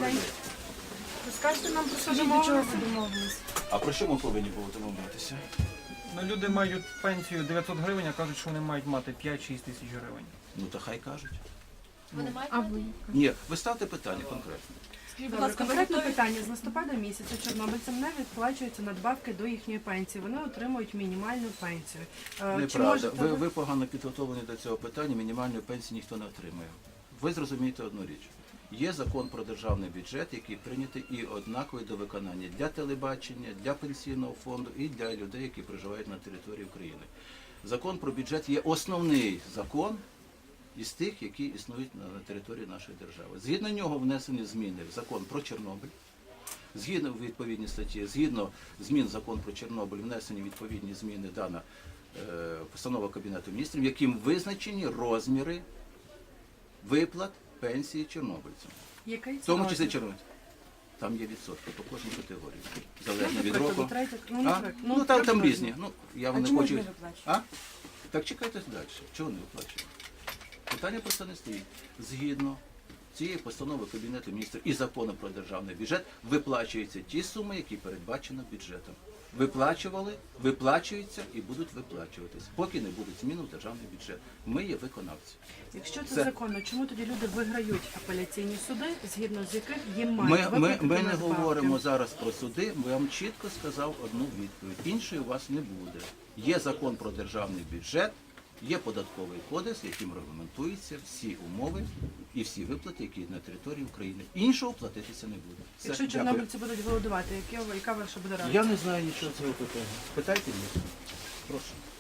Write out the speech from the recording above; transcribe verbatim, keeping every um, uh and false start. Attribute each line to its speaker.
Speaker 1: день. Розкажете нам про що
Speaker 2: Скажіть, до чого
Speaker 1: домовилися?
Speaker 2: ви домовились?
Speaker 3: А про що ми повинні були домовлятися?
Speaker 4: Ну, люди мають пенсію дев'ятсот гривень, а кажуть, що вони мають мати п'ять-шість тисяч гривень.
Speaker 3: Ну то хай кажуть.
Speaker 5: Вони мають
Speaker 2: А ви?
Speaker 3: Ні, ви ставте питання конкретно.
Speaker 1: Скажіть, будь
Speaker 2: Добре,
Speaker 1: ласка,
Speaker 2: конкретне
Speaker 1: конкретне
Speaker 2: питання.
Speaker 1: питання. З листопада місяця чорнобильцям не відплачуються надбавки до їхньої пенсії. Вони отримують мінімальну пенсію. Е, Чи
Speaker 3: Неправда.
Speaker 1: можете
Speaker 3: Ви,
Speaker 1: ви...
Speaker 3: ви погано підготовлені до цього питання, мінімальної пенсії ніхто не отримує. Ви зрозумієте одну річ. Є закон про державний бюджет, який прийнятий і однаковий до виконання для телебачення, для пенсійного фонду і для людей, які проживають на території України. Закон про бюджет є основний закон із тих, які існують на території нашої держави. Згідно нього внесені зміни в закон про Чорнобиль, згідно відповідні статті, згідно змін в закон про Чорнобиль, внесені відповідні зміни дана е, постанова Кабінету міністрів, яким визначені розміри виплат пенсії чорнобильцям.
Speaker 1: Який
Speaker 3: В
Speaker 1: це
Speaker 3: тому числі
Speaker 1: розмір?
Speaker 3: чорнобильцям. Там є відсотки по кожній категорії.
Speaker 1: Ну,
Speaker 3: Залежно від
Speaker 1: наприклад,
Speaker 3: року.
Speaker 1: третя- ну,
Speaker 3: А?
Speaker 1: наприклад,
Speaker 3: Ну, там, там
Speaker 1: приблизно.
Speaker 3: різні. Ну, я
Speaker 2: А
Speaker 3: вам не
Speaker 2: чому ж
Speaker 3: хочу.
Speaker 2: не виплачують?
Speaker 3: А? Так чекайте далі. Чого не виплачують? Питання просто не стоїть. Згідно цієї постанови Кабінету міністрів і закону про державний бюджет виплачуються ті суми, які передбачено бюджетом. Виплачували, виплачуються і будуть виплачуватись, поки не будуть змін у державний бюджет. Ми є виконавці.
Speaker 1: Якщо це,
Speaker 3: Це-
Speaker 1: законно, чому тоді люди виграють апеляційні суди, згідно з яких їм мають
Speaker 3: Ми, ми,
Speaker 1: виплатити
Speaker 3: ми не
Speaker 1: надбавки?
Speaker 3: говоримо зараз про суди, бо я вам чітко сказав одну відповідь. Іншої у вас не буде. Є закон про державний бюджет, є податковий кодекс, яким регламентуються всі умови і всі виплати, які на території України. Іншого платитися не буде. Все,
Speaker 1: Якщо
Speaker 3: дякую.
Speaker 1: чорнобильці будуть голодувати, яке- яка ваша буде реакція?
Speaker 3: Я не знаю нічого цього питання. Питайте мене. Прошу.